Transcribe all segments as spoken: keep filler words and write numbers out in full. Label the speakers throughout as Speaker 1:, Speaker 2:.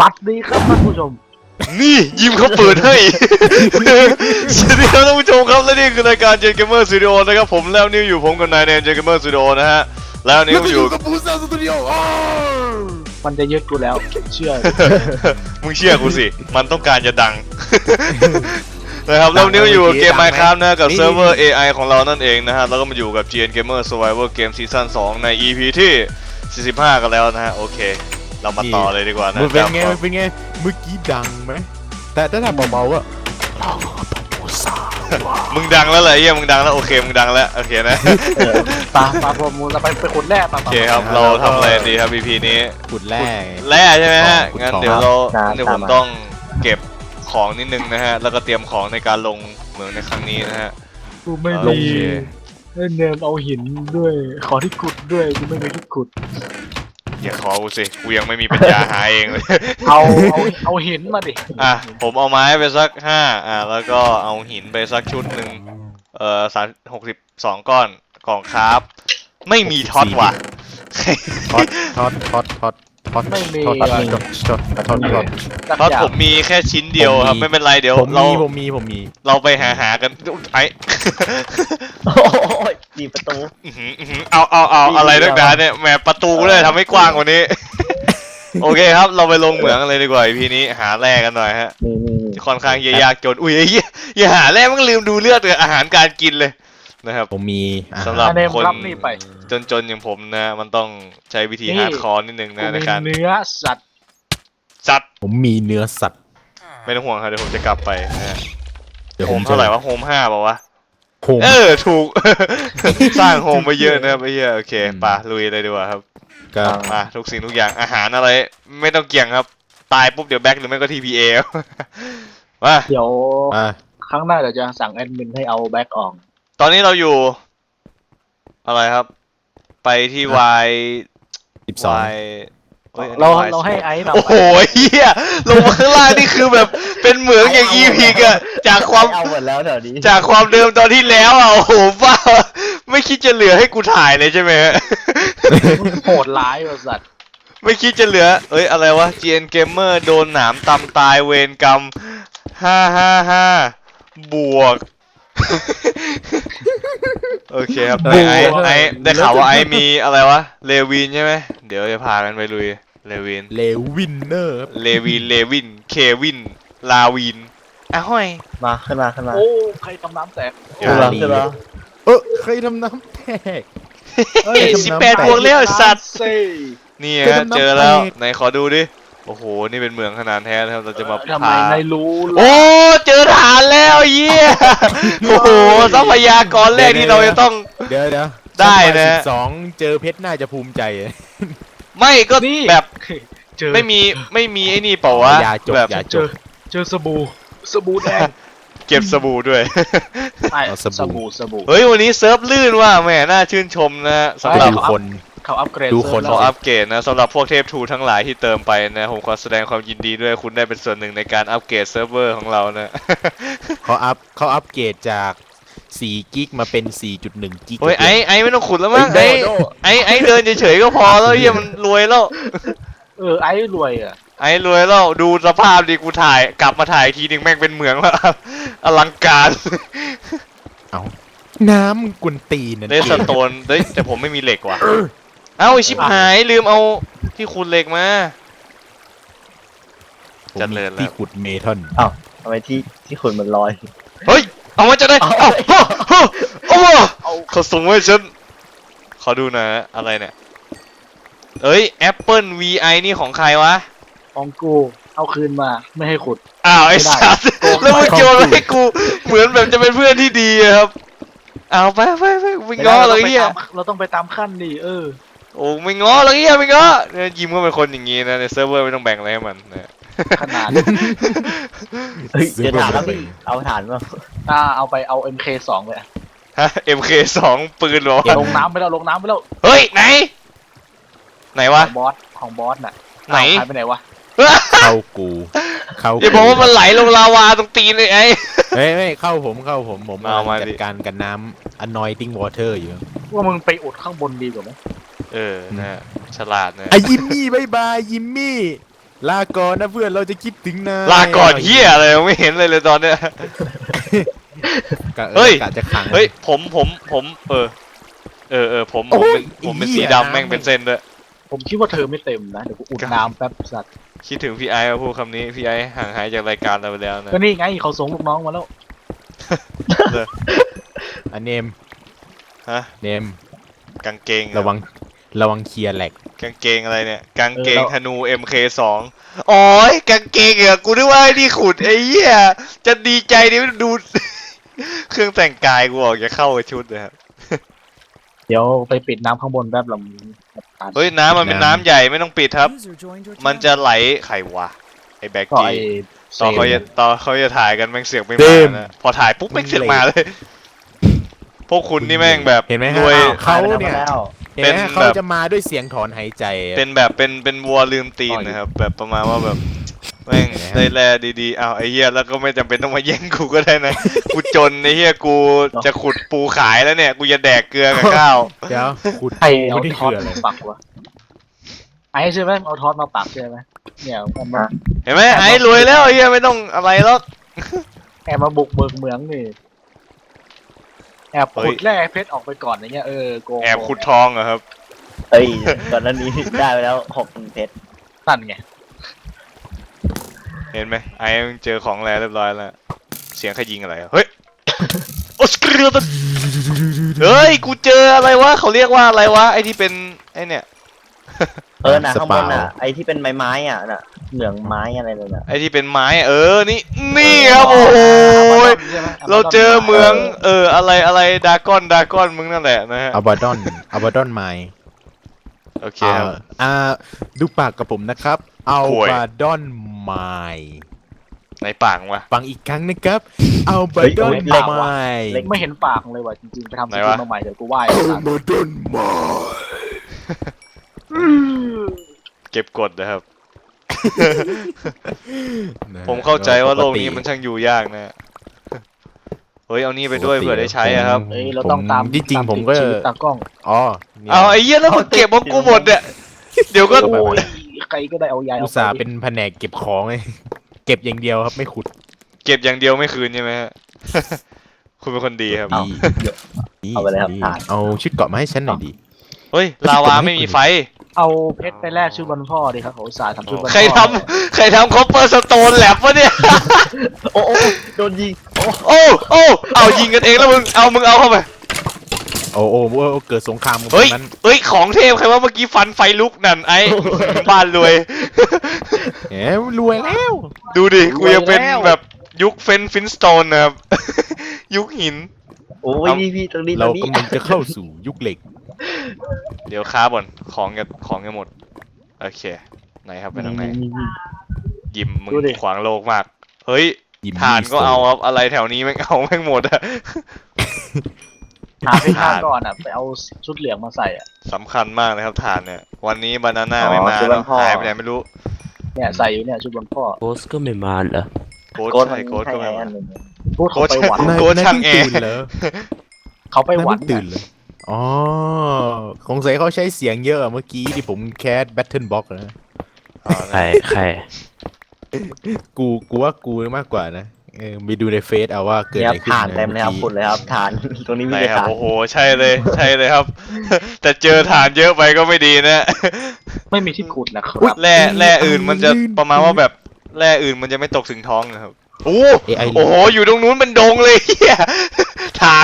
Speaker 1: วัสดีครับท่านผู้ชม
Speaker 2: นี่ยิมเขาเปิดให้ สวัสดีครับท่านผู้ชมครับและนี่คือรายการ Gen Gamer Studio นะครับผมแล้วนิวอยู่ผมกับนายใน Gen Gamer Studio นะฮะแล้วนิวอยู่
Speaker 3: กับปูซ่าสตูดิโอ
Speaker 1: มันจะยึดกูแล้วเชื่อ
Speaker 2: มึงเชื่อกูสิมันต้องการจะดัง นะครับแล้วนิวอยู่เกม Minecraft นะกับเซิร์ฟเวอร์ เอ ไอ ของเรานั่นเองนะฮะแล้วก็มาอยู่กับ Gen Gamer Survival Game Season สองใน อี พี ที่สี่สิบห้ากันแล้วนะฮะโอเคเรามาต่อเลยดีกว่านะ
Speaker 3: มันเป็นไงมันเป็นไงเมื่อกี้ดังไหมแต่ถ้าทำเบาๆก็
Speaker 2: มึงดังแล้วเหรอเฮียมึงดังแล้วโอเคมึงดังแล้วโอเคนะ
Speaker 1: ปลาปลาพรมูลเราไปไปขุดแร่ปลา
Speaker 2: โอเคครับเราทำอะไรดีครับ อี พี นี้
Speaker 3: ขุดแร่
Speaker 2: แร่ใช่ไหมฮะ
Speaker 3: ขุดของ
Speaker 2: งั้นเดี๋ยวเรางั้นเดี๋ยวผมต้องเก็บของนิดนึงนะฮะแล้วก็เตรียมของในการลงเหมืองในครั้งนี้นะฮะ
Speaker 1: กูไม่
Speaker 2: โอ
Speaker 1: มี
Speaker 2: เค
Speaker 1: เนมเอาหินด้วยขอที่ขุดด้วยกูไม่มีที่ขุด
Speaker 2: อย่าขอกูสิกูยังไม่มีปัญญาหาเองเลย
Speaker 1: เอาเอาเอาหินมาดิ
Speaker 2: อ่ะผมเอาไม้ไปสักห้าอ่ะแล้วก็เอาหินไปสักชุดหนึ่งเอ่อสามหกสิบสองก้อนกล่องคราฟไม่มีท็อตว่ะ
Speaker 3: ท็อตท็อตท็อตท็อตท็อต
Speaker 1: ไม่มี
Speaker 3: ท็อตท็อตท็อตท็อตท็อต
Speaker 2: ท็อตผมมีแค่ชิ้นเดียวครับไม่เป็นไรเดี๋ยว
Speaker 3: ผม
Speaker 2: เรา
Speaker 3: มีผมมีผมมี
Speaker 2: เราไปหาหากันไอ
Speaker 1: โอ้ยดีประตู
Speaker 2: อื้อหืออื้อหือเอาเอาเอาอะไรนักหนาเนี่ยแหมประตูเลยทำให้กว้างกว่านี้ โอเคครับเราไปลงเหมืองกันเลยดีกว่าพีนี้หาแร่กันหน่อยฮะ
Speaker 1: นี่นี่นี่
Speaker 2: ค่อนข้างจะยากจนอุ้ยไอ้เหี้ยอย่าหาแร่มันลืมดูเลือดกับอาหารการกินเลยนะครับ
Speaker 3: ผมมีอาหา
Speaker 2: สำหรับ
Speaker 1: เนม
Speaker 2: คน
Speaker 1: รับนี่ไป
Speaker 2: จนๆอย่างผมนะมันต้องใช้วิธี
Speaker 1: นี่
Speaker 2: ฮาร์ดคอร์นิดนึง
Speaker 1: กู
Speaker 2: นะใน
Speaker 1: มี
Speaker 2: การ
Speaker 1: เนื้อสัตว์
Speaker 2: จัด
Speaker 3: ผมมีเนื้อสัตว์
Speaker 2: ไม่ต้องห่วงครับเดี๋ยวผมจะกลับไปนะฮะ
Speaker 3: เดี๋ยว
Speaker 2: โฮ
Speaker 3: ผม
Speaker 2: ม
Speaker 3: จะ
Speaker 2: เท่าไหร่วะโฮมห้าเปล่าวะ
Speaker 3: โฮม
Speaker 2: เออถูก สร้างโฮมไปเยอะนะครับไอ้เหี้ยโอเคป่ะลุยเลยดีกว่าครับ
Speaker 3: ก็
Speaker 2: มาทุกสิ่งทุกอย่างอาหารอะไรไม่ต้องเกี่ยงครับตายปุ๊บเดี๋ยวแบ็คหรือไม่ก็ ที พี เอ มา
Speaker 1: เดี๋ยว
Speaker 3: อ่า
Speaker 1: ครั้งหน้าเดี๋ยวจะสั่งแอดมินให้เอาแบ็กออก
Speaker 2: ตอนนี้เราอยู่ อะไรครับ ไปที่ Y
Speaker 3: สิบสอง
Speaker 2: Y เฮ้ยอัน
Speaker 1: เรา
Speaker 2: นี้ Y
Speaker 1: เราให้ไอซ์เรา
Speaker 2: โอ้โหเฮียลงมาข้างล่างนี่คือแบบเป็นเหมืองอย่างอีพีกอะจากความ
Speaker 1: เอาหมดแล้วเดี๋ยวนี้
Speaker 2: จากความเดิมตอนที่แล้วอะโอ้โหบ้าไม่คิดจะเหลือให้กูถ่ายเลยใช่ไหมฮะ
Speaker 1: โหดร้ายบริษัท
Speaker 2: ไม่คิดจะเหลือ เอ้ยอะไรวะ จี เอ็น Gamer โดนหนามตำตายเวรกรรมห้าห้าห้าบวก โอเคครับไอไอไอได้ข่าวว่าไอมีอะไรวะ เลวินใช่ไหม เดี๋ยวจะพากันไปลุย เลวิน
Speaker 3: เลวินเนอร์
Speaker 2: เลวิน เลวิน เควิน ลาวินอ้าวห้อย
Speaker 4: มาขึ้นมาขึ้นมา
Speaker 1: โอ้ใครทำน้ำแตก
Speaker 2: เดี๋ยว
Speaker 4: ขึ้นมาขึ้นมา
Speaker 3: เออเคยทำน้ำแตก
Speaker 2: เฮ้ยสิบแปดบวกแล้วไอ้สัตว์
Speaker 1: เซ่
Speaker 2: นี่
Speaker 3: เป็น
Speaker 2: ฮะ
Speaker 3: น้ำ
Speaker 2: เจอแล้ว
Speaker 3: แตก
Speaker 2: ไหนขอดูดิ โอ้โห นี่เป็นเมืองขนาดแท้นะครับ เราจะมา
Speaker 1: ทำไม
Speaker 2: พา
Speaker 1: นายรู้ล่ะ
Speaker 2: โอ้ เจอฐานแล้วเยี่ย โอ้โห ทรัพยากรแรกที่เราจะต้อง
Speaker 3: เดี๋ยวเดี๋ยว
Speaker 2: ได้นะ
Speaker 3: สิบสองเจอเพชรน่าจะภูมิใจ
Speaker 2: ไม่ก็
Speaker 1: นี่
Speaker 2: แบบ
Speaker 1: เจอ
Speaker 2: ไม่มีไม่มีไอ้นี่เปล่าวะ
Speaker 3: อย่าจบ
Speaker 2: แบบ
Speaker 3: อย่า
Speaker 1: เจอเจอสบู่สบู่แดง
Speaker 2: เก็บสบู่ด้วย
Speaker 1: ใช่
Speaker 3: เอาส
Speaker 1: ส
Speaker 3: บู่
Speaker 1: บู่สบู่
Speaker 2: เฮ้ย วันนี้เซิร์ฟลื่นว่ะแหมน่าชื่นชมนะฮะสำหรับ
Speaker 3: ดูคน
Speaker 1: เขาอัปเกรด
Speaker 3: ดูคน
Speaker 1: เซิ
Speaker 2: ขอ
Speaker 1: ร์ฟแล้ว
Speaker 2: อัปเกรดนะสำหรับพวกเทพทูทั้งหลายที่เติมไปนะผมขอแสดงความยินดีด้วยคุณได้เป็นส่วนหนึ่งในการอัปเกรดเซิร์ฟเวอร์ของเรานะ
Speaker 3: เขาอัพเขาอัปเกรดจากสี่กิกมาเป็น สี่จุดหนึ่ง กิก
Speaker 2: โอ้ยไอ้ไอ้ไม่ต้องขุดแล้วมั้ง
Speaker 4: เฮ้
Speaker 2: ไอ้
Speaker 4: ยโดโด
Speaker 2: ไอ้ไอ้เดินเฉยๆก็พอแล้วเฮียมันรวยแล้ว
Speaker 1: เออไอ้รวยอ่ะ
Speaker 2: ไอ้รวยแล้วดูสภาพดิกูถ่ายกลับมาถ่ายทีหนึ่งแม่งเป็นเหมืองแล้ว อลังการ
Speaker 3: เอาน้ำกุนตีนนั่น
Speaker 2: เลสโตนเฮ้ยแต่ผมไม่มีเหล็กว่ะเอ้าไอ้ชิบหายลืมเอาที่ขุดเหล็กมา
Speaker 3: ผม
Speaker 2: เจริญแล้ว
Speaker 3: ที่ขุดเมทัล
Speaker 4: อ้าวทำไมที่ที่ขุดมันลอย
Speaker 2: เฮ้ยเอามาจะได้เอ้าเฮ้ยเฮ้ยโอ้โห
Speaker 1: เอา
Speaker 2: เขาส่งไว้ฉันขอดูหนะอะไรเนี่ยเอ้ย Apple วี ไอ นี่ของใครวะ
Speaker 1: ของกูเอาคืนมาไม่ให้ขุด
Speaker 2: อ้าวไอ้
Speaker 1: ไม่ได้
Speaker 2: สัสแล้วมึงโยนมาให้กูเหมือนแบบจะเป็นเพื่อนที่ดีอะครับเอาไปไปไปไม่ง้อเลยเฮีย
Speaker 1: เราต้องไปตามขั้นดิเออ
Speaker 2: โอ้ไม่ง้อเลยเฮียไม่ง้อเนี่ยยิมก็เป็นคนอย่างงี้นะในเซิร์ฟเวอร์ไม่ต้องแบ่งอะไรให้มันนะ
Speaker 1: ขนาด
Speaker 4: เฮ้ยจะถามแล้วพี่เอาฐานมา
Speaker 1: อ่าเอาไปเอา เอ็ม เค สองไปอะ
Speaker 2: ฮะ เอ็ม เค สอง ปืนเหรอ
Speaker 1: ลงน้ำไปแล้วลงน้ำไปแล้ว
Speaker 2: เฮ้ยไหนไหน
Speaker 1: ข
Speaker 2: วะ
Speaker 1: องบอสของบอสน่ะ
Speaker 2: ไหน
Speaker 1: หายไปไหนวะ
Speaker 3: เข้ากูเข้า
Speaker 2: อย่าบอกว่ามันไหลลงลาวาตรงตีนเลยไอ้
Speaker 3: เฮ้ยไม่เข้าผมเข้าผมผม
Speaker 2: เอามา
Speaker 3: จั
Speaker 2: ดิ
Speaker 3: ดการกับน้ำ anointing water อยู่
Speaker 1: ว่ามึงไปอุดข้างบนดีกว่าไหม
Speaker 2: เออนะฉลาดนะ
Speaker 3: ไอ้ยิมมี่บายบายยิมมี่ลาก่อนนะเพื่อนเราจะคิดถึงนาย
Speaker 2: ลาก่อนเฮียอะไรไม่เห็นเลยเลยตอนเนี้ย
Speaker 3: กะ
Speaker 2: เฮ้ย
Speaker 3: กะจะขัง
Speaker 2: เฮ้ยผมผมผมเออเออเออผมผมเป็นผมเป็นสีดำแม่งเป็นเส้นด้วย
Speaker 1: ผมคิดว่าเธอไม่เต็มนะเดี๋ยวกูอุดน้ำแป๊บสัตว์
Speaker 2: คิดถึงพี่ไอ้มาพูดคำนี้พี่ไอ้ห่างหายจากรายการเราไปแล้วนะ
Speaker 1: ก็นี่ไงเขาส่งลูกน้องมาแล้ว
Speaker 3: อันเนม
Speaker 2: ฮะ
Speaker 3: เนม
Speaker 2: กางเกง
Speaker 3: ระวังระวังเคลียร์แหลก
Speaker 2: กางเกงอะไรเนี่ยกางเกงธนู เอ็ม เค สองอ๋อยกางเกงเหรอกูนึกว่าไอ้นี่ขุดไอ้เหี้ยจะดีใจดิดู เครื่องแต่งกายกูออกจะเข้ากับชุดเลยครับ
Speaker 1: เดี๋ยวไปปิดน้ำข้างบนแป๊บลำ
Speaker 2: เฮ้ยน้ำมันเป็นน้ำใหญ่ไม่ต้องปิดครับ มันจะไหลไขวะไอ้แบ็ก
Speaker 1: ก็
Speaker 2: กี้
Speaker 1: ไอ้
Speaker 2: ตอนเขาจะตอนเขาจะถ่ายกันแม่งเสียงไม่
Speaker 3: เต็
Speaker 2: มาม นะพอถ่ายปุ๊บแม่งเสียงมาเลย พวกคุณนี่แม่งแบบ
Speaker 3: เห็นไหม
Speaker 2: ร
Speaker 3: ฮะ
Speaker 2: วย
Speaker 3: เขาเนี่ย
Speaker 4: แล้ว
Speaker 3: เห็นไหม
Speaker 2: เป็น
Speaker 3: เขา
Speaker 2: แบบ
Speaker 3: จะมาด้วยเสียงถอนหายใจ
Speaker 2: เป็นแบบเป็นเป็นวัวลืมตีนนะครับ แบบประมาณว่าแบบแม่งได้แร่ดีๆอ้าวไอ้เหี้ยแล้วก็ไม่จำเป็นต้องมาแย่งกูก็ได้นะ กูจนไอ้เหี้ยกูจะขุดปูขายแล้วเนี่ยกูจะแดกเกลือกับข้าว
Speaker 3: เดี๋ยวขุด
Speaker 1: ไอ้เอา
Speaker 3: นี่
Speaker 1: ทอ
Speaker 3: คือ
Speaker 1: ด
Speaker 3: อะไร
Speaker 1: ปักวะไอ้ใช่ไหมเอาทอดมาปักใช่ไหมเนี่ยเอามา
Speaker 2: เห็นไหมไอ้รวยแล้วไอ้เหี้ยไม่ต้องอะไรหรอก
Speaker 1: แอบมาบุกเบิกเมืองนี่แอบขุดแร่เพชรออกไปก่อนอย่างเงี้ยเออโกง
Speaker 2: แอบขุดทองเหรอครับ
Speaker 4: เฮ้ยก่อนหน้านี้ได้ไปแล้วหกพันเพชร
Speaker 1: นั่นไง
Speaker 2: เห็นไหมไอ้มึงเจอของแล้วเรียบร้อยแล้วเสียงใครยิงอะไรอะเฮ้ยโอสเกลือตันเฮ้ยกูเจออะไรวะเขาเรียกว่าอะไรวะไอ้ที่เป็นไอ้เนี่ย
Speaker 4: เออน่ะข้างบนน่ะไอ้ที่เป็นไม้ไม้อ่ะน่ะเหลืองไม้อะไรเลยน่ะ
Speaker 2: ไอ้ที่เป็นไม้อะเออนี่นี่ครับโอ้โหเราเจอเมืองเอออะไรอะไรดากอนดากอนมึงนั่นแหละนะฮะ
Speaker 3: อัลบาดอนอัลบาดอนไม
Speaker 2: โอเคครับ
Speaker 3: อ่าดูปากกับผมนะครับอัล
Speaker 2: โอ้ย
Speaker 3: บาดอนไม
Speaker 2: ในปากวะ
Speaker 3: ฟังอีกครั้งนะครับอัลบาดอนไม
Speaker 1: ไม่เห็นปากเลยว่ะจริงๆไปทำส
Speaker 2: ไหน
Speaker 1: กิล
Speaker 2: วะ
Speaker 1: มาใหม่เดี๋ยวกูไหว้
Speaker 3: อัลบาดอนไม
Speaker 2: เก็บกดนะครับ ผมเข้าใจว่าโลกนี้มันช่างอยู่ยากนะ เฮ้ยเอานี่ไปด้วยเผื่อได้ใช้อะครับ
Speaker 1: เฮ้ยเราต้องตาม
Speaker 3: ที่จริง
Speaker 1: ตา
Speaker 3: ผมก็
Speaker 1: ติดชีวิตตากล้อง
Speaker 3: อ๋อนี่ย
Speaker 2: เอาไอ้เหี้ยแล้วมึงเก็บของกูหมดเนี่ยเดี๋ยวก็
Speaker 1: โอ้ยใครก็ได้เอายาย
Speaker 3: อุ
Speaker 1: เอา
Speaker 3: ต
Speaker 1: ไป
Speaker 3: ส่าห์เป็นแผนกเก็บของไงเก็บอย่างเดียวครับไม่ขุด
Speaker 2: เก็บอย่างเดียวไม่คืนใช่ไหมฮะ คุณเป็นคนดีครับ
Speaker 3: ดีดี
Speaker 4: เอาไปเลยครับ
Speaker 3: ดี
Speaker 4: ถ่าน
Speaker 3: เอาชุดเกาะมาให้ฉันหน่อยดิ
Speaker 2: เฮ้ยลาวาไม่มีไฟ
Speaker 1: เอาเพชรไปแลกชุดวันพ่อดิครับเขาอุตส่าห์ทำชุดวันพ่อ
Speaker 2: ใครทำใครทำคอปเปอร์สโตนแลบวะเนี่ย
Speaker 4: โอ้โอ้โดนยิงโอ้
Speaker 2: โอ้โอ้เอายิงกันเองแล้วมึงเอามึงเอาเข้าไป
Speaker 3: โอ้โอ้โอ้เกิดสงครามกันตร
Speaker 2: เฮ้ย
Speaker 3: งนั้น
Speaker 2: เฮ้ยของเทพใครว่าเมื่อกี้ฟันไฟลุกนั่นไอ้ บ้านรวย
Speaker 3: แหมรวยแล้ว
Speaker 2: ดูดิกูยังเป็นแบบยุคเฟนฟินสโตนนะครับ ยุคหิน
Speaker 4: โอ้ยพี่พี่ตรงนี้ตร
Speaker 3: เรา
Speaker 4: งนี้
Speaker 3: กำลังจะเข้าสู่ยุคเหล็ก
Speaker 2: เดี๋ยวค้าบ่อนของจะของจะหมดโอเคไหนครับไปทางไหนยิมมึงขวางโลกมาก เฮ้ย
Speaker 3: ยิม
Speaker 2: ฐานก็
Speaker 3: มี่
Speaker 2: เอาครับอะไรแถวนี้แม่งเอาแม่งหมดอะ
Speaker 1: หาเพชรข้างก่อนอ่ะไปเอาชุดเหลืองมาใส่อ่ะ
Speaker 2: สำคัญมากนะครับฐานเนี่ยวันนี้บานาน่าไม่มาแล้วหายไปไหนไม่รู้
Speaker 1: เนี่ยใส่อยู่เนี่ยชุดวันพ่อ
Speaker 5: โกสก็ไม่มาเหรอ
Speaker 2: โค้ด
Speaker 4: โกดมั
Speaker 2: ใช่
Speaker 4: น
Speaker 2: โค้ด
Speaker 4: ให้
Speaker 2: ก็ไม่
Speaker 4: ไอ้
Speaker 2: มา
Speaker 4: อันหนึง
Speaker 1: พูดเขาไปหวัน
Speaker 3: นาย
Speaker 2: โกด
Speaker 3: นาย
Speaker 2: ช่าง
Speaker 3: เพิ่ง
Speaker 2: แอร์
Speaker 3: ตื่นเหรอ
Speaker 1: เขาไป
Speaker 3: นาย
Speaker 1: หวั
Speaker 3: เพิ่
Speaker 1: น
Speaker 3: งตื่นเหรออ๋อสงสัยเขาใช้เสียงเยอะอะเมื่อกี้ที่ผมแคสแบทเทิลบ็อกนะ
Speaker 2: อ๋อ
Speaker 5: ใครใคร
Speaker 3: กูกูว่ากูมากกว่านะเออไปดูในเฟซเอาว่าเกิด
Speaker 4: เนี่ย
Speaker 3: อะไรขึ้น
Speaker 4: ฐานเต็มเลยครับ
Speaker 3: อ
Speaker 4: ขุดเลยครับฐานตรงนี้มี
Speaker 2: ไหน
Speaker 4: แต่
Speaker 2: ครับ
Speaker 4: ฐาน
Speaker 2: โอ้โหใช่เลยใช่เลยครับ แต่เจอฐานเยอะไปก็ไม่ดีนะ
Speaker 1: ไม่มีที่ขุดนะครับ
Speaker 2: แร่แร่อื่นมันจะประมาณว่าแบบแร่อื่นมันจะไม่ตกถึงท้องนะครับโอ้
Speaker 3: เอไอ
Speaker 2: โอ้โหอยู่ตรงนู้นเป็นดงเลยเฮียฐาน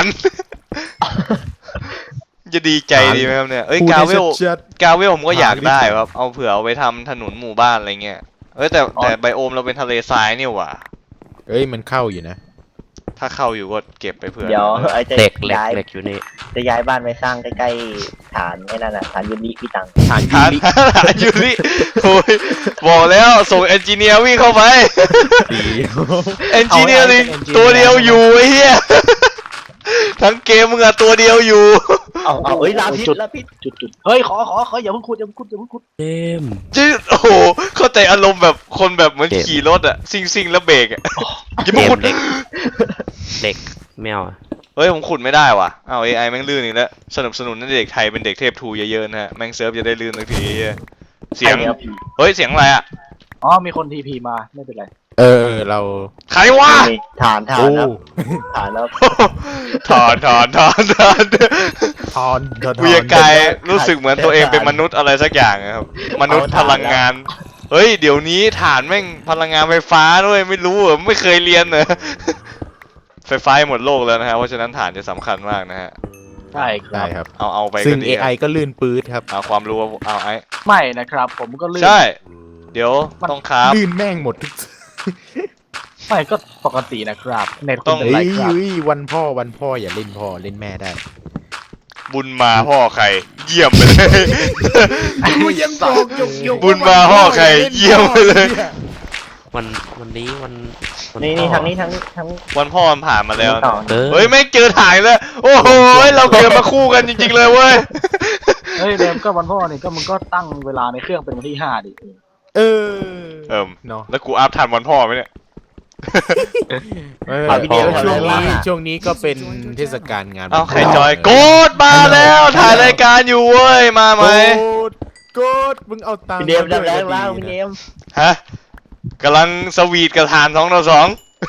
Speaker 2: จะดีใจดีไหมครับเนี่ยเอ้ย
Speaker 3: พูด
Speaker 2: กา
Speaker 3: ให้
Speaker 2: เวล
Speaker 3: ชัด
Speaker 2: กาเวลผมก็อยาก
Speaker 3: หาไม่
Speaker 2: ได้
Speaker 3: ได้
Speaker 2: ครับเอาเผื่อเอาไปทำถนนหมู่บ้านอะไรเงี้ยเอ้ยแต่แต่ไบโอมเราเป็นทะเลทรายนี่หว่า
Speaker 3: ๆเอ้ยมันเข้าอยู่นะ
Speaker 2: ถ้าเข้าอยู่ก็เก็บไปเผื่อ
Speaker 4: เดี๋ยวไอ้จะ
Speaker 5: เหล็กเหล็ก
Speaker 4: ย้าย
Speaker 5: เหล็กอยู่นี่
Speaker 4: จะย้ายบ้านไปสร้างใกล้ๆฐานไอ้นั่นน่ะฐานยูนิพี่ตัง
Speaker 3: ฐานยู
Speaker 2: ฐาน
Speaker 3: ริ
Speaker 2: ฐานอยู่นี่โอ้ยบอกแล้วส่งเอนจิเนียร์วิ่งเข้าไป
Speaker 3: ตี
Speaker 2: เอนจิเนียริงตัวเดียวอยู่ไอ้เหี้ยทั้งเกมมึงอะตัวเดียวอยู่
Speaker 4: เอาเอาเอ้ยลาพิษลาพิษ
Speaker 1: จุดจุดเฮ้ยขอขอขออย่าเพิ่งขุดอย่าเพิ่งขุดอย่าเพิ่งขุด
Speaker 5: เจมส์
Speaker 2: จืดโอ้โหเข้าใจอารมณ์แบบคนแบบเหมือนขี่รถอะซิ่งซิ่งแล้วเบรกอะอย่า
Speaker 5: เจ
Speaker 2: มาม ขุด
Speaker 5: ส์เหล็กเหล็กแมวอะ
Speaker 2: เฮ้ยผมขุดไม่ได้ว่ะอ้าว เอ ไอ แม่งลื่นอีกแล้วสนับสนุนให้เด็กไทยเป็นเด็กเทพทูเยอะๆนะฮะแม่งเซิร์ฟจะได้ลื่นสักทีเหี้ยเสียง
Speaker 4: ไอ้นี่พี่
Speaker 2: เฮ้ยเสียงอะไรอะ
Speaker 1: อ๋อมีคนทีพีมาไม่เป็นไร
Speaker 3: เออเรา
Speaker 2: ใครวะ
Speaker 4: นี่ฐานฐาน
Speaker 3: โอ้
Speaker 4: ครับฐานแล้ว
Speaker 2: ถอนถอนถอนถอน
Speaker 3: ทอนทอน
Speaker 2: กูยังกายรู้สึกเหมือนตัวเองเป็นมนุษย์อะไรสักอย่างอะครับ มนุษย์พลังงาน เฮ้ย เดี๋ยวนี้ฐานแม่งพลังงานไฟฟ้าด้วยไม่รู้เหรอไม่เคยเรียนเหรอ ไฟฟ้าหมดโลกแล้วนะฮะเพราะฉะนั้นฐานจะสำคัญมากนะฮะ
Speaker 1: ใช่ค
Speaker 3: ได้
Speaker 1: รับ
Speaker 3: ครับ
Speaker 2: เอาเอาไป
Speaker 3: ซึ่
Speaker 2: ก็
Speaker 3: ง
Speaker 2: ดี
Speaker 3: เอ
Speaker 2: ค
Speaker 3: ไอ
Speaker 2: รับ
Speaker 3: ก็ลื่นปื๊ดครับ
Speaker 2: เอาความรู้เอาไอ้
Speaker 1: ไม่นะครับ ผมก็ลื่น
Speaker 2: ใช่ เดี๋ยวต้องครับ
Speaker 3: ลื่นแม่งหมดทุก
Speaker 1: ไม่ก็ปกตินะครับเน็ต
Speaker 2: ต้
Speaker 1: คุ
Speaker 2: อ
Speaker 1: ณ
Speaker 2: ง
Speaker 1: เป็น
Speaker 3: เฮ้
Speaker 1: ไร
Speaker 3: ย
Speaker 1: ครับ
Speaker 3: เฮ้ยวันพ่อวันพ่ออย่าเล่นพ่อเล่นแม่ได้
Speaker 2: บุญมาพ่อใคร เยี่ยมไปเลย
Speaker 3: กูยังบอกยกยก
Speaker 2: บุญมาพ่อใครเยี่ยมไปเลย
Speaker 5: วันวันนี้วันวั
Speaker 4: นี่
Speaker 5: พ่
Speaker 4: นี่
Speaker 5: อ
Speaker 4: ทางนี้ทางนี้ทางนี้
Speaker 2: วันพ่อมันผ่านมาแล้ว
Speaker 4: ต่อ
Speaker 5: เออ
Speaker 2: เฮ้ยไม่งเจอถ่ายแล้วโอ้โหเราเกิดมาคู่กันจริงๆเลยเว้ย
Speaker 1: เฮ้ยเดมก็วันพ่อนี่ก็มึงก็ตั้งเวลาในเครื่องเป็นวันที่ห้าดิ
Speaker 3: เออ
Speaker 2: เอิ่ม
Speaker 3: เนาะ
Speaker 2: แล้วกูอัพทันวันพ่อไหมเนี่ย
Speaker 3: เออ
Speaker 4: เอาวิดีโอ
Speaker 3: ช่วง
Speaker 4: ก่อน
Speaker 3: นี้
Speaker 4: เลย
Speaker 3: ช่วงนี้ก็เป็นเทศกาลงาน
Speaker 2: เอ้า
Speaker 3: วัน
Speaker 2: ใคร
Speaker 3: พ่
Speaker 2: จอยโกดมาแล้วถ่ายรายการอยู่เว้ยมาไหม
Speaker 3: โกดโกดมึงเอาตังค์
Speaker 4: พี่เดม
Speaker 3: า
Speaker 4: ดับ
Speaker 3: ด้วย
Speaker 4: แรง
Speaker 3: ก็
Speaker 4: แล้ว
Speaker 3: ดี
Speaker 4: พี่เด
Speaker 3: นะ
Speaker 4: ม
Speaker 2: ฮะกำลังสวีทกับฐานสองต่อสอง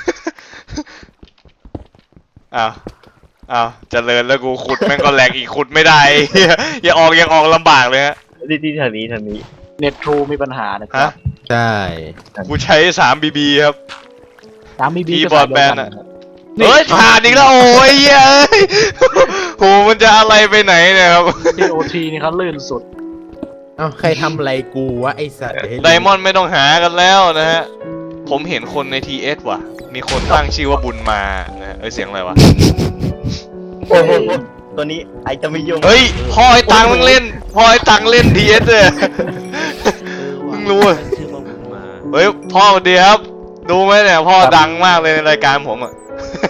Speaker 2: อ้าวอ้าวเจริญแล้วกูขุดแม่งก็แหลกอีกขุดไม่ได้ เหี้ยอย่าออกยังออกลำบากเลยฮะ
Speaker 4: นี่ที่ทางนี้ทางนี้
Speaker 1: เน็ตทรูมีปัญหานะครั
Speaker 2: ฮะ
Speaker 1: บ
Speaker 3: ใช่
Speaker 2: กูใช้สามบีบีครับ
Speaker 1: ตามบีบี
Speaker 2: ที่
Speaker 1: ก็
Speaker 2: บอ
Speaker 1: ใส่
Speaker 2: ร์ด
Speaker 1: เดียว
Speaker 2: แบน
Speaker 1: กัน
Speaker 2: อะ
Speaker 1: นี่
Speaker 2: เฮ้ยฐานอีกแล้วโอ้ยเหี้ยเอ้ยโหมันจะอะไรไปไหนเนี่ยครับ
Speaker 1: ที่โอทีนี่เขาลื่นสุด
Speaker 3: เอ้าใครทำอะไรกูวะไอสัตว์
Speaker 2: ไดมอนด์ไม่ต้องหากันแล้วนะฮะ ผมเห็นคนใน ที เอส ว่ะ มีคนตั้งชื่อว่าบุญมานะฮะเอ้ยเสียงอะไรวะ
Speaker 4: โอ้โหตัวนี้ไอจะไม่ยุ่ง
Speaker 2: เฮ้ยพ่อไอ้ตังมึงเล่นพ่อไอ้ตังเล่น ที เอส เลย
Speaker 5: เออ
Speaker 2: เพิ่
Speaker 5: ว่ะ
Speaker 2: งรู้อะ
Speaker 5: ชื่อว่าบุญมา
Speaker 2: เฮ้ยพ่อสวัสดีครับ ดูไหมเนี่ยพ่อดังมากเลยในรายการผมอ่ะ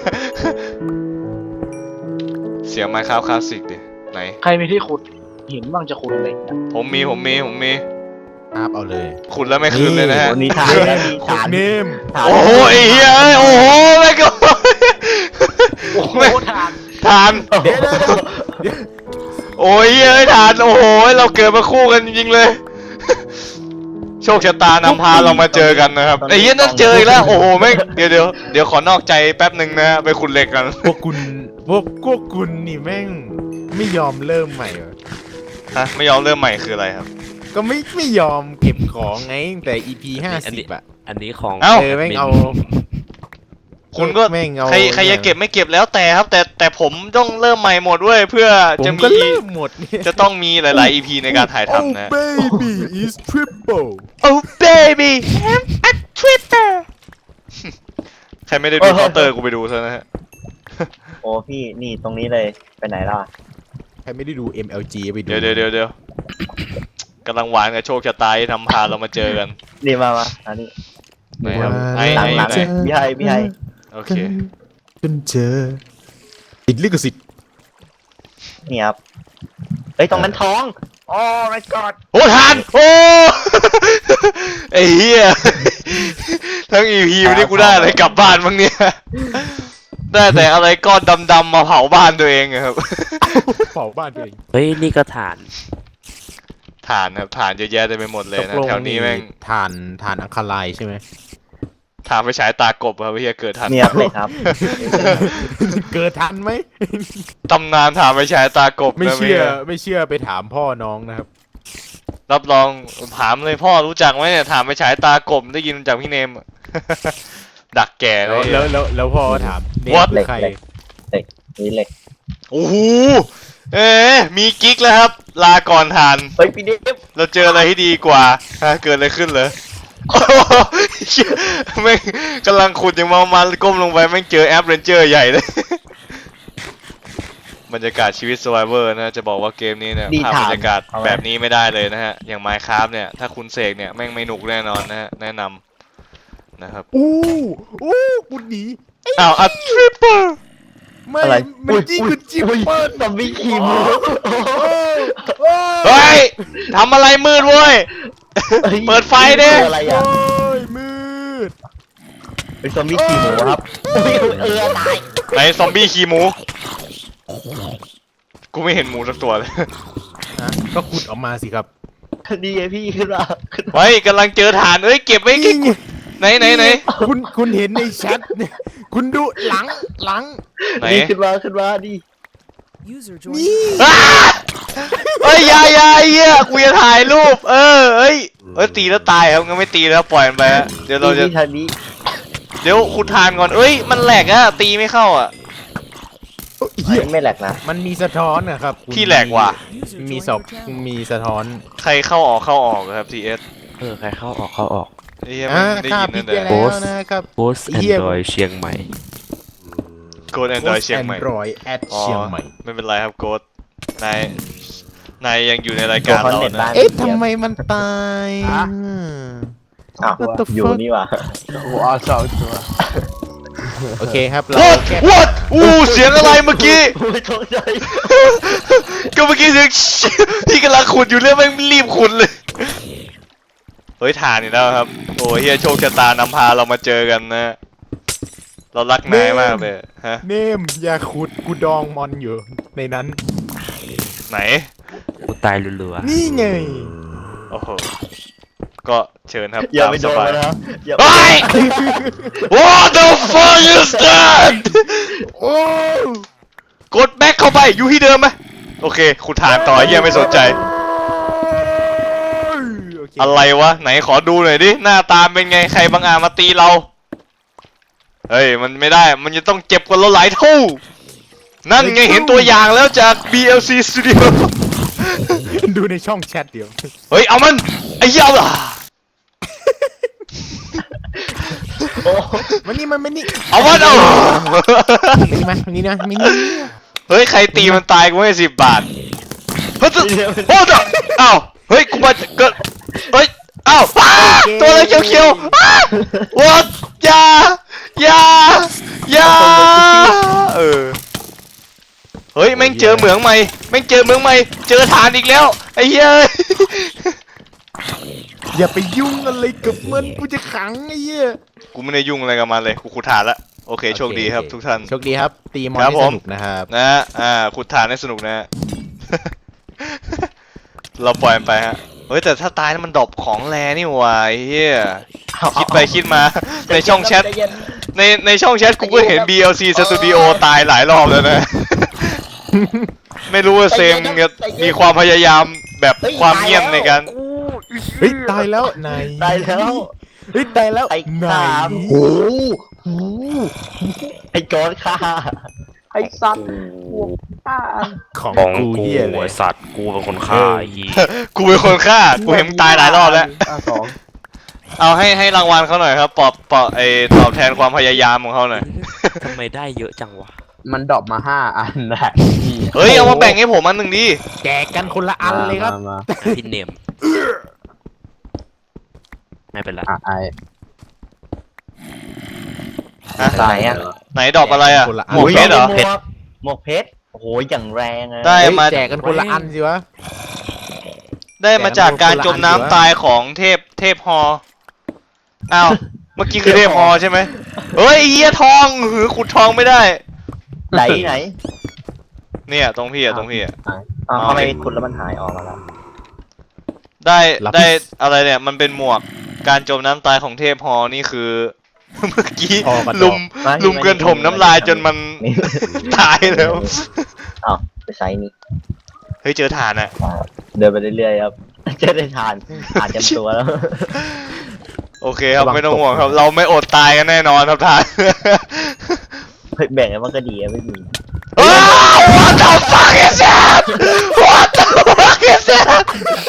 Speaker 2: เสียงไมค์ค r คลาสสิกดิไหน
Speaker 1: ใครมีที่ขุดหินบ้างจะขุดเหล็กนะ
Speaker 2: ผมมีผมมีผมมี
Speaker 3: อาบเอาเลย
Speaker 2: ขุดแล้วไม่คืนเลยนะฮะ
Speaker 4: ตัวนี้ฐานแล้วมี
Speaker 3: ขุด
Speaker 4: ฐาน
Speaker 3: เนม
Speaker 4: ฐาน
Speaker 2: โอ้โหไอ้เหี้ยเอ้ยโอ้โหไม่ก็
Speaker 1: โอ้โหทาน
Speaker 2: ทาน
Speaker 3: เดี๋ยวเดี๋ยวเดี๋ยว
Speaker 2: โอ้ยเอ้ยทานโอ้โหเราเกิดมาคู่กันจริงๆเลย โชคชะตานำพาเรามาเจอกันนะครับไอ้เหี้ยนั่นเจออีกแล้วโอ้โหแม่งเดี๋ยวเดี๋ยวเดี๋ยวขอนอกใจแป๊บหนึ่งนะฮะไปขุดเหล็กกัน
Speaker 3: พวกคุณพวกพวกคุณนี่แม่งไม่ยอมเริ่มใหม่เหรอ
Speaker 2: ฮะไม่ยอมเริ่มใหม่คืออะไรครับ
Speaker 3: ก็ไม่ไม่ยอมเก็บของไงตั้งแต่ อี พี ห้า
Speaker 5: อัน
Speaker 3: สิ
Speaker 5: นี้
Speaker 3: บอะ
Speaker 5: อันนี้ของ
Speaker 2: เอ้า
Speaker 3: เออแม่งเอา
Speaker 2: คุณก็
Speaker 3: แม่งเอา
Speaker 2: ใครใครจะเก็บไม่เก็บแล้วแต่ครับ แต่แต่ผมต้องเริ่มใหม่หมดด้วยเพื่อ
Speaker 3: ผม
Speaker 2: จะ
Speaker 3: ก็
Speaker 2: มี
Speaker 3: เริ่มหมดเนี่ย
Speaker 2: จะต้องมีหลาย ๆ อี พี ในการถ่ายทำนะ
Speaker 3: Oh baby is triple
Speaker 2: Oh baby I'm a Twitter ใครไม่ได้ดูเคาน์เตอร์กูไปดูซะนะฮะ
Speaker 4: โอ้พี่นี่ตรงนี้เลยไปไหนล่ะ
Speaker 3: ใครไม่ได้ดู เอ็ม แอล จี ไปดู
Speaker 2: เดี๋ยวเดี๋ยวเดี๋ยวเดี๋ยวกำลังหวานกับโชคชะตาที่ทำพาเรามาเจอกัน
Speaker 4: นี่มามาอันนี้
Speaker 2: ไหนครับไอ้
Speaker 4: หลัง
Speaker 2: ไอ้
Speaker 4: หลัง
Speaker 2: ไหน
Speaker 4: พี่ไฮพี่ไฮ
Speaker 2: โอเค
Speaker 3: จนเจอติดลิขสิทธิ์
Speaker 4: นี่ครับเฮ้ยตรงนั้นท้องโอ้ my god
Speaker 2: โอ้ทานโอ้ ไอ้เหี้ยทั้งอีพีวันนี้กูได้อะไรกลับบ้านบ้างเนี่ย ได้แต่อะไรก้อนดำๆมาเผาบ้านตัวเองอะครับ
Speaker 3: เผาบ้านตัวเอง
Speaker 5: เฮ้ยนี่ก็ฐาน
Speaker 2: ฐานครับฐานเยอะแยะเต็มไปหมดเลยนะ
Speaker 3: ตกลง
Speaker 2: แถวนี้แม่ง
Speaker 3: ทานทานอังคารายใช่ไหม
Speaker 2: ฐานไปฉายตากบครับเฮียเกิดทัน
Speaker 4: เนี่ยเลยครับ
Speaker 3: เกิดทันไหม
Speaker 2: ตำนานฐานไปฉายตากบ
Speaker 3: ไม่
Speaker 2: นะ
Speaker 3: เชื่อ
Speaker 2: พี่
Speaker 3: ไม่เชื่อไปถามพ่อน้องนะครับ
Speaker 2: รับรองถามเลยพ่อรู้จักไหมเนี่ยฐานไปฉายตากบได้ยินจากพี่เนม ดักแก่เล
Speaker 3: แล้ว
Speaker 2: ย
Speaker 3: แล้วแล้วแล้วพ่อถามเนี่ย
Speaker 2: What?
Speaker 3: คือใคร
Speaker 4: เหล็ก เหล็กนี่เหล็ก
Speaker 2: โอ้โหเอ๊ะมีกิ๊กแล้วครับ ลาก่อนฐาน
Speaker 4: เฮ้ยพี่เดฟ
Speaker 2: เราเจออะไรที่ดีกว่าฮะเกิดอะไรขึ้นเหรอ โอ้โหเหี้ยแม่งกำลังขุดอย่างเมามันก้มลงไปแม่งเจอแอปเรนเจอร์ใหญ่เลย บรรยากาศชีวิต Survivor นะจะบอกว่าเกมนี้เนี่ย
Speaker 4: ดี
Speaker 2: ภาพ
Speaker 4: ถาม
Speaker 2: บรรยากาศ
Speaker 4: เอาไว้
Speaker 2: แบบนี้ไม่ได้เลยนะฮะ อย่าง Minecraft เนี่ย ถ้าคุณเสกเนี่ยแม่งไม่หนุกแน่นอนนะฮะ แนะนำนะครับ
Speaker 3: อู้อู้กูหนี
Speaker 2: อ้าวอัดทริปเปอร์
Speaker 3: ไม่
Speaker 4: อะไร
Speaker 3: มันจี้กูจี้
Speaker 4: อุ้ย
Speaker 3: เปิด
Speaker 4: ซอมบี้ขี่มู
Speaker 2: เฮ้ยทำอะไรมืดเว้ย เปิดไฟดิ
Speaker 4: อะไร
Speaker 3: โอ้
Speaker 4: อ่ะ
Speaker 3: ยมืด
Speaker 4: เป็นซอมบี้ขี่หมูครับอุ้ยเออตาย
Speaker 2: ไหนซอมบี้ขี่หมู กูไม่เห็นหมูสักตัวเลย
Speaker 3: นะก็ขุดออกมาสิครับ
Speaker 4: ดีไอพี่ขึ้นมาขึ้นมา
Speaker 2: ไว้กำลังเจอฐานเอ้ยเก็บไว้เก็บ
Speaker 3: นี่ไง
Speaker 2: ไหนไหนไหน
Speaker 3: คุณคุณเห็นในแชทเนี่ยคุณดูหลังหลัง
Speaker 2: ไหน
Speaker 4: ดีขึ้นมาขึ้นมาดี
Speaker 6: User joined
Speaker 3: นี่
Speaker 2: อ้าเอ้ยอยาอยาไอ้เหี้ยกูจะถ่ายรูป เออเอ้ยเอ้ยตีแล้วตายครับงั้นไม่ตีแล้วปล่อยมันไปฮะเดี๋ยวเราจะ
Speaker 4: ดีทางนี้
Speaker 2: เดี๋ยวขุดฐานก่อนเอ้ยมันแหลกอะตีไม่เข้าอะ
Speaker 3: เหี้ย
Speaker 4: ไม่แหลกนะ
Speaker 3: มันมีสะท้อนนะครับคุณ
Speaker 2: พี่แหลกว่ะ
Speaker 6: User
Speaker 3: มี
Speaker 6: joined
Speaker 3: สอบ
Speaker 6: your channel.
Speaker 3: มีสะท้อน
Speaker 2: ใครเข้าออกเข้าออกครับทีเอส
Speaker 5: เออ ใครเข้าออกเข้าออก
Speaker 2: ไอ้เหี้ย
Speaker 3: อ่า
Speaker 2: มันได้
Speaker 3: ค่า
Speaker 2: ยิน
Speaker 3: พิ
Speaker 2: นั่
Speaker 3: ก
Speaker 2: น
Speaker 3: ไป
Speaker 2: แหละ
Speaker 3: แล้วนะครับ
Speaker 5: โพสแอน
Speaker 3: เหี้ย
Speaker 5: ดรอยเชียงใหม่
Speaker 2: โกดแอนดรอยเชียงใหม่
Speaker 3: รอยแอด
Speaker 2: อ๋อ
Speaker 3: เชียงใหม่
Speaker 2: ไม่เป็นไรครับโกดนายนายยังอยู่ในรายการเรานะ
Speaker 3: เอ๊ะทำไมมันตาย
Speaker 1: ฮะ
Speaker 4: อ้าว
Speaker 3: What the
Speaker 4: อยู่
Speaker 3: fuck
Speaker 4: นี่ว่ะ
Speaker 1: โอ้โหเอาสองตัว
Speaker 3: โอเคครับเรา
Speaker 2: What
Speaker 3: แก้
Speaker 2: What อู้เสียงอะไรเมื่อกี้
Speaker 4: ไม่ตกใจ
Speaker 2: ก็เมื่อกี้เสียง ที่กำลังขุดอยู่เรื่องแม่งรีบขุดเลย เฮ้ยฐานอีกแล้วครับ โอ้เฮียโชคชะตานำพาเรามาเจอกันนะ เรารักนายมากเลยฮะ
Speaker 3: เนมอย่าขุดกูดองมอนอยู่ในนั้น
Speaker 2: ไหน
Speaker 5: กูตายรัว
Speaker 3: นี่ไง
Speaker 2: โอ้โห ก็เชิญครับ
Speaker 4: อย่า
Speaker 2: ตาม
Speaker 4: ไป
Speaker 2: ส
Speaker 4: โดน
Speaker 2: บาย
Speaker 4: มันนะอย่า
Speaker 2: เฮ้ย What the fuck is that
Speaker 3: โอ้
Speaker 2: กดแบ็คเข้าไป อยู่ที่เดิมไหมโอเคขุดฐานต่อไอ้เฮียไม่สนใจ
Speaker 3: โอเค
Speaker 2: อะไรวะ ไหนขอดูหน่อยดิ หน้าตาเป็นไง ใครบางอาจมาตีเรา เฮ้ย มันไม่ได้ มันจะต้องเจ็บกว่าเราหลายเท่า นั่นไงเห็นตัวอย่างแล้วจาก บี แอล ซี Studio
Speaker 3: ดูในช่องแชทเดียว
Speaker 2: เฮ้ย เอามัน ไอ้เหี้ยเอาล่ะ
Speaker 4: โอ้
Speaker 3: มันนี่มันมันนี่
Speaker 2: เอามันเอา
Speaker 3: นี่มานี่นะมินี่
Speaker 2: เฮ้ย ใครตีมันตายกูให้สิบบาท เฮ้ยตัวโอ้ตัวอ้าวเฮ้ย กูมาเกิดเฮ้ย อ้าวอ้าตัวอะไรเขียวๆอ้า what อย่าอย่าอย่าเออ เฮ้ย แม่งเจอเหมืองใหม่ แม่งเจอเหมืองใหม่ เจอฐานอีกแล้ว ไอ้เหี้ย
Speaker 3: อย่าไปยุ่งอะไรกับมันกูจะขังไอ้เหี้ย
Speaker 2: กูไม่ได้ยุ่งอะไรกับมันเลย กูขุดฐานละ โอเค โชคดีครับทุกท่าน
Speaker 3: โชคดีครับ ตีมอน
Speaker 2: ครับ
Speaker 3: ให้
Speaker 2: ผ
Speaker 3: ส
Speaker 2: ม
Speaker 3: นุกนะครับ
Speaker 2: นะฮะอ่า ขุดฐานให้สนุกนะฮะ เราปล่อยมันไปฮะ เฮ้ย แต่ถ้าตายแล้วมันดรอปของแรนี่หว่าไอ้เฮียคิดไปคิดมา ในช่องแชท
Speaker 4: ใจเย็น
Speaker 2: ในในช่องแชทกูก็เห็น บี แอล ซี Studio ตายหลายรอบแล้วนะ ไม่รู้ว่าเซมจะมีความพยายามแบบ
Speaker 4: ฮ้ย
Speaker 2: ความเงียบในการ
Speaker 3: เฮ้ยตายแล้วไหน
Speaker 4: ตายแล้ว
Speaker 3: เฮ้ยตายแล้ว
Speaker 4: ไอ้
Speaker 3: ไหน
Speaker 4: สามโอ้โหไอ้โกอนค่ะ
Speaker 1: ไอ้สัตว์พวกป้า
Speaker 3: ของ
Speaker 5: ๆของ
Speaker 3: กู
Speaker 5: กู
Speaker 3: เหี้ยเล
Speaker 5: ไอย สัตว์กูเป็นคนฆ่าไอ้เหี้ย
Speaker 2: กูเป็นคนฆ่า กูเห็นมันตายหลายรอบแล้ว
Speaker 1: อ่ะสอง
Speaker 2: เอาให้ให้รางวัลเขาหน่อยครับ ปอบปอบไอตอบแทนความพยายามของเขาหน่อย
Speaker 5: ทำไมได้เยอะจังวะ
Speaker 1: มันดรอปมาห้าอันแหละ
Speaker 2: เฮ้ย เอามาแบ่งให้ผมอันหนึ่งดิ
Speaker 3: แจกกันคนละอันเลยครับ
Speaker 1: มามา
Speaker 5: พี่เนมไม่เป็นไร
Speaker 1: อ่ะไอ
Speaker 2: ฮะ
Speaker 4: ตายอ่ะ
Speaker 2: ไหนดอกอะไรอ่ะ
Speaker 3: คนละอัน
Speaker 2: หมวกเพชรเหรอ
Speaker 4: หมวกหมวกเพชรโอ้โหอย่างแรงอะ
Speaker 2: ได้
Speaker 3: เฮ้ย
Speaker 2: มา
Speaker 3: แจกกันคนละอันสิวะ
Speaker 2: ได้มาจากการจมน้ำตายของเทพเทพฮออ้าว เมื่อกี้คือเทพฮอใช่ไหมเฮ้ยไอ้เหี้ยทองหือขุดทองไม่ได้
Speaker 4: ไหนไหน
Speaker 2: เนี่ยตรงพี่อะตรงพี่อะ
Speaker 4: อ้าวทำไมคุณแล้วมันหายออกมาแล้ว
Speaker 2: ได้
Speaker 3: ลับ
Speaker 2: ได้อะไรเนี่ย มันเป็นหมวกการจมน้ำตายของเทพฮอนี่คือ เมื่อกี้
Speaker 3: ฮอกระจก
Speaker 2: ลุม
Speaker 4: ไม่
Speaker 2: ลุมเกินถมน้ำลายจนมัน
Speaker 4: นี่
Speaker 2: ตายแล้ว
Speaker 4: อ้าวไปใช้นี่
Speaker 2: เฮ้ยเจอฐานอะ
Speaker 4: อ่าเดินไปเรื่อยๆครับ จะได้ทานอ่านเต็มตัวแล้ว
Speaker 2: โอเคครับ
Speaker 3: ระวัง
Speaker 2: ไม่ต้อง
Speaker 3: ตก
Speaker 2: ห่วงครับ เราไม่อดตายกันแน่นอนครับท่าน
Speaker 4: เฮ้ยแบ่งกันมันก็ดีอะไม่มี
Speaker 2: ว้าว What the fuck is that What the fuck is that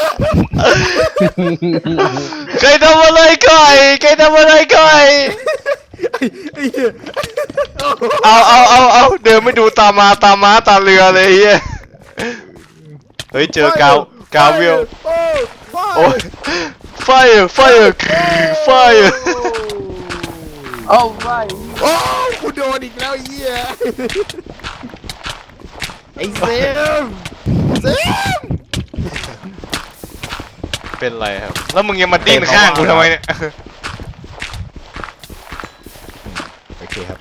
Speaker 2: ใครทำอะไรก่อยใครทำอะไรก่อย
Speaker 3: ไอ้เหี้ย
Speaker 2: เอาเอาเอาเอาเดินไม่ดูตามาตาม้าตาเรือเลยเฮียเฮ้ยเจอกาวกาววิวโอ้ย fire fire fire
Speaker 1: โอ้ไม่
Speaker 3: โอ้กูโดนอีกแล้วไอ้เหี้ยไอ้เซมเซม
Speaker 2: เป็นไรครับ แล้วมึงยังมาดิ้นข้างกูทำไมเนี่ย
Speaker 3: โอเคครับ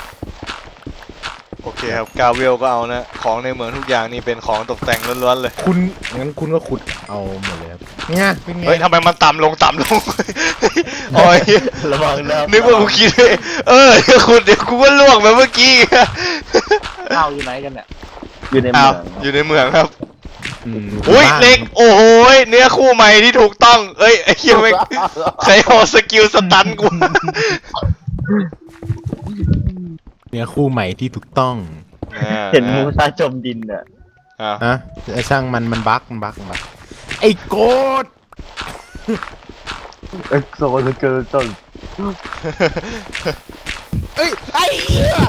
Speaker 2: โอเคครับกาเวลก็เอานะ ของในเมืองทุกอย่างนี่เป็นของตกแต่งล้วนๆเลย
Speaker 3: คุณงั้นคุณก็ขุดเอาหมดเลยครับเนี่ยเป็นไง
Speaker 2: เฮ้ยทำไมมันต่ำลงต่ำลง โอ้ย
Speaker 4: ระวังนะ
Speaker 2: นึกว่ากูคิดเลยเออเดี๋ยวคุณเดี๋ยวกูก็ล่วงไปเมื่อกี้
Speaker 1: ข้าวอยู่ไหนกันเนี่ย
Speaker 4: อยู่ใน
Speaker 2: อ้า
Speaker 4: เมื
Speaker 2: ว
Speaker 4: อง
Speaker 2: อยู่ในเมืองครับ
Speaker 3: อืม
Speaker 2: อุ้ย
Speaker 3: บ้าน
Speaker 2: เล็กโอ้โหยเนื้อคู่ใหม่ที่ถูกต้องเอ้ยไอ้เหี้ยไม่งใครเอาสกิลสตันกู
Speaker 3: เนี่ยคู่ใหม่ที่ถูกต้อง
Speaker 4: เห็นมูซาจมดินอ่ะ
Speaker 2: อ่า
Speaker 3: อะช่างมันมันบั๊กมันบั๊กมันบั๊กไอ้โกด
Speaker 4: เอ็กโซสเกิลต้น
Speaker 3: เอ้ยไอ้เหี้ย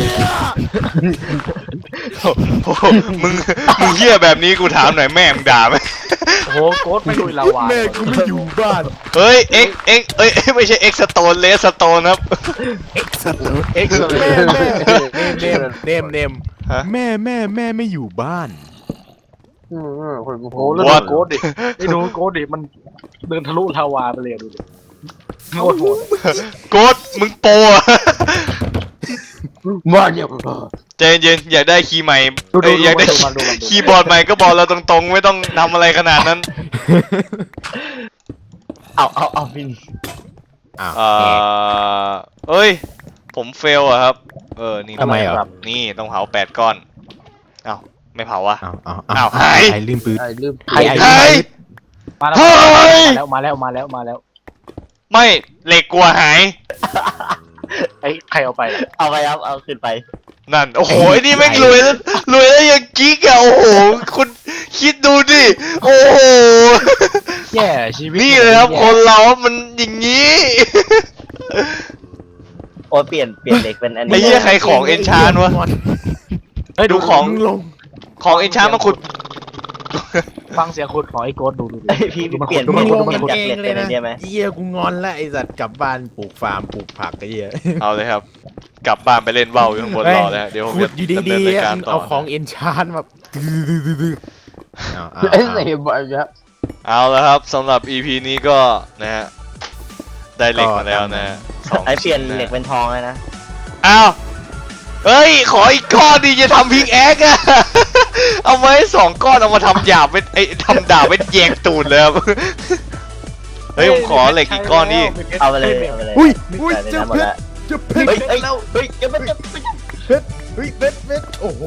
Speaker 2: โอ้โหมึงมึงเหี้ยแบบนี้กูถามหน่อยแม่มึงด่าไหม
Speaker 1: โอ้โหโกดไม่ลุยลาวา
Speaker 3: แม่กูไม่อยู่บ้าน
Speaker 2: เฮ้ยเอ็กเอ็กเอ้ยไม่ใช่เอ็กสโตนเลสสโตนครับ
Speaker 3: เอ็กซ์
Speaker 1: เอ็กซ์เล
Speaker 3: แม่
Speaker 1: ย
Speaker 3: แม่เนมเนมเนม
Speaker 2: ฮะ
Speaker 3: แม่แม่แม่ไม่อยู่บ้าน
Speaker 1: โอ้โหแล้วดูโกดดิไอ้ดูโกดดิมันเดินทะลุลาวาไปเลยดูดิโคตรโหด
Speaker 2: โกดมึงโปรอะ
Speaker 1: มาเนี่ย
Speaker 2: ใจเย็นอยากได้คีย์ใหม่
Speaker 1: ดูดู
Speaker 2: เอ้ยอยากได้
Speaker 1: ดูมาดูมาดู
Speaker 2: คีย์บอร์ดใหม่ก็บอกเราตรงๆ ไม่ต้องทำอะไรขนาดนั้น
Speaker 4: เอาเอาเอาพิน
Speaker 3: อ้าว
Speaker 2: เอ่อเอ้ย ผมเฟลอะครับ เออ นี่
Speaker 3: ทำไมเหรอ
Speaker 2: นี่ต้องเผาแปดก้อนเอ้าไม่เผาวะ
Speaker 3: อ้าวอ้าว
Speaker 2: อ้าวหาย
Speaker 3: ไอ้ลืมปืน
Speaker 1: ไอ้ลืม
Speaker 3: ไอ้ไอ้
Speaker 2: หาย
Speaker 1: มาแล้ว
Speaker 2: เฮ้ย
Speaker 1: มาแล้วมาแล้วมาแล้ว
Speaker 2: ไม่เหล็กกลัวหาย
Speaker 1: ไอ้ใครเอาไปล่ะ
Speaker 4: เอาไปครับเอาขึ้นไป
Speaker 2: นั่น โอ้โหไอ้นี่แม่งรวยแล้วรวยแล้วยังกิ๊กอะโอ้โห คุณคิดดูดิ โอ้โห
Speaker 1: แย่ชีวิต
Speaker 2: นี่เลยครับคนเรามันอย่างนี้
Speaker 4: โอ้ยเปลี่ยนเปลี่ยนเหล็กเป็นอัน
Speaker 2: ไอ้
Speaker 4: นี้
Speaker 2: เหี้ยใครของเอนชานวะ
Speaker 1: เฮ้ย
Speaker 2: ดู
Speaker 1: ดู
Speaker 2: ของ
Speaker 3: มึงลง
Speaker 2: ของเอนชานมาขุด
Speaker 1: ฟังเสียงขุดของไอ้โกดดูดูดู
Speaker 4: เอ้ยพี่
Speaker 1: ดูมัน
Speaker 4: เปลี่ยน
Speaker 1: ดู
Speaker 3: มึ
Speaker 1: มัน
Speaker 3: ง
Speaker 1: ขุด
Speaker 3: ล
Speaker 1: ดู
Speaker 3: ง
Speaker 1: มัน
Speaker 3: กัน
Speaker 1: ขุด
Speaker 3: เองเลยนะ
Speaker 4: เดี๋ยวไหม
Speaker 3: เหี้ยกูงอนแล้วไอ้สัตว์กลับบ้านปลูกฟาร์มปลูกผักไอ้เหี้ย
Speaker 2: เอาเลยครับ กลับบ้านไปเล่นว่าวอยู่ข้างบนรอเลยฮะเดี๋ยวผม
Speaker 3: ขุ
Speaker 2: จะ
Speaker 3: ดอยู่
Speaker 2: ดำเนิ
Speaker 3: ดี
Speaker 2: นราย
Speaker 3: ๆ
Speaker 2: การ
Speaker 3: มึง
Speaker 2: ต่อ
Speaker 3: เอาของเอนชานมาดื้อๆๆๆเอาเอา
Speaker 1: เอ้ย
Speaker 3: เอา
Speaker 1: เสียบ่อยครับ
Speaker 2: เอาแล้วครับสำหรับ อี พี นี้ก็นะฮะได้เหล็กมาแล้วนะฮะสอง
Speaker 4: ไอเปลี่ยน
Speaker 2: ชิ้ะ
Speaker 4: เหล็กเป็นทองเลยนะ
Speaker 2: อ้าวเฮ้ย ขออีกก้อนดีจะทำพิกแอคอะ เอาไว้สองก้อนเอามาทำหยาบเป็นไอ้ยทำดาบเป็นแยงตูดเลยครับ เฮ้ยผมขอเหล็กอีกก้อนนี่
Speaker 4: เอาไปเลยเอาไปเลย
Speaker 3: อุ้ยอุ้ย
Speaker 4: ใส่ใน
Speaker 3: เจ้า
Speaker 4: น้ำหม
Speaker 3: เพ
Speaker 4: ด
Speaker 3: ชร
Speaker 4: แล้ว
Speaker 3: เจ้าเพชร
Speaker 4: เฮ้ยเฮ้ยเฮ้ยเดี๋ยวมันจะ
Speaker 3: เพชรเฮ้ยเพชรเพชรโอ้โห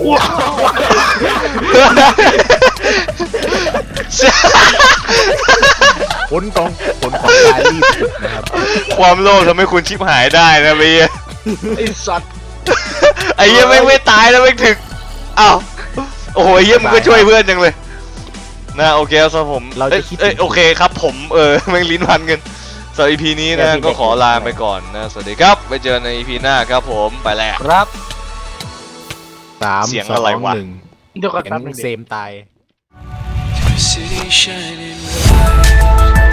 Speaker 3: ผลของผลของการรีบนะครับ
Speaker 2: ความโลภทำให้คุณชิบหายได้นะเบีย
Speaker 1: ไอ้สัตว์
Speaker 2: ไอ้เหี้ยไม่งไม่ตายแล้วไม่งถึกอ้าวโอ้โหไอ้เหี้ยมึงก็ช่วยเพื่อนจังเลยนะโอเคครับสำหรับผม
Speaker 3: เรา
Speaker 2: เอ้
Speaker 3: จะ
Speaker 2: ย
Speaker 3: คิด
Speaker 2: เอ้ยโอเคครับผมเออ แม่งลิ้นพันกันสำหรับ อี พี นี้นะก็ขอลาไปก่อนนะสวัสดีครับไปเจอใน อี พี หน้าครับผมไปแล้ว
Speaker 1: ครับ
Speaker 3: สาม
Speaker 2: เสียง
Speaker 3: ส
Speaker 2: อะไร
Speaker 3: อง
Speaker 2: วะ
Speaker 3: หนึ่ง
Speaker 1: เดี๋ยวกัน
Speaker 3: เห็
Speaker 1: แป๊บ
Speaker 3: น
Speaker 1: นึงดิ
Speaker 3: เซมตาย
Speaker 6: City shining bright.